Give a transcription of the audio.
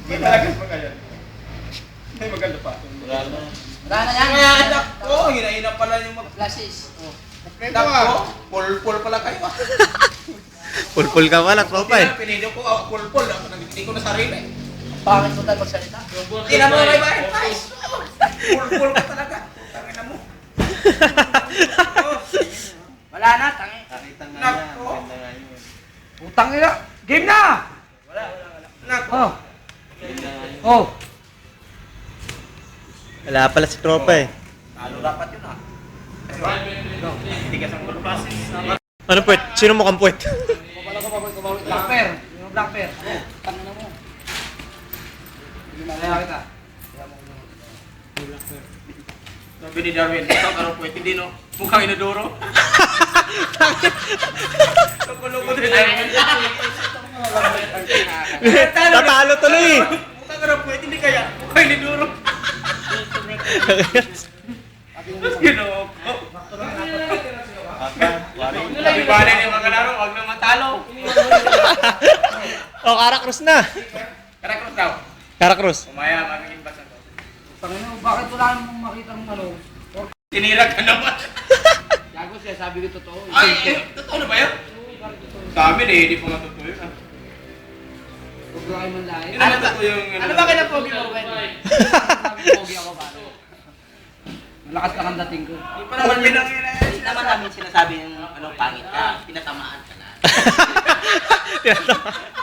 Malagas pa kaya. Ay, maganda pa. Wala na. Wala na yan. Kaya anak ko, hina-hina pala yung Flashes. Oh. anak ko. Pul-pul pala kayo. Pulpul ka pala, tropa eh. Pinili ko, pul-pul. Hindi ko na sarili. Pangit mo tayo magsalita. Hindi na mo may bayan, guys. Pul-pul ka talaga. Tangina mo. Wala na, tangi. Nakita nga Nak, niya. oh. Maganda nga yun. Utang nila. Game na! Anak ko. Oh. Maganda nga yun. Oh. Wala pala si tropa eh. Talo dapat yun ah. Tigas ang pulpasis. Ano puwet? Sino mukhang puwet? Black pair. Yung black pair. Oh, tangina mo. Kaya kita. Sabi ni Darwin, ito karo po, hindi no? Mukhang inodoro. Loko-loko din. Tatalo tuloy eh. Mukhang karo po, hindi kaya. Mukhang inodoro. Ginoko. Sabi ba na yung mga laro, huwag na matalo. Oh, Karakrus na. Karakros daw. Karakrus. Umaya, magiging basa to. Tangina mo, bakit wala namang makita ng ano? Tinira ka naman. Gago siya, sabi ko totoo. Ay, totoo na ba yun? Sa amin eh, hindi pa nga totoo yun. Huwag lang kayo manlain. Hindi naman totoo yung... Ano ba kinapogi mo, Ben? Sabi pogi ako ba? Malakas lang ang dating ko. Hindi pa naman pinangilay. Hindi naman namin sinasabi yung ano, pangit ka, pinatamaan ka na. Tinatawa.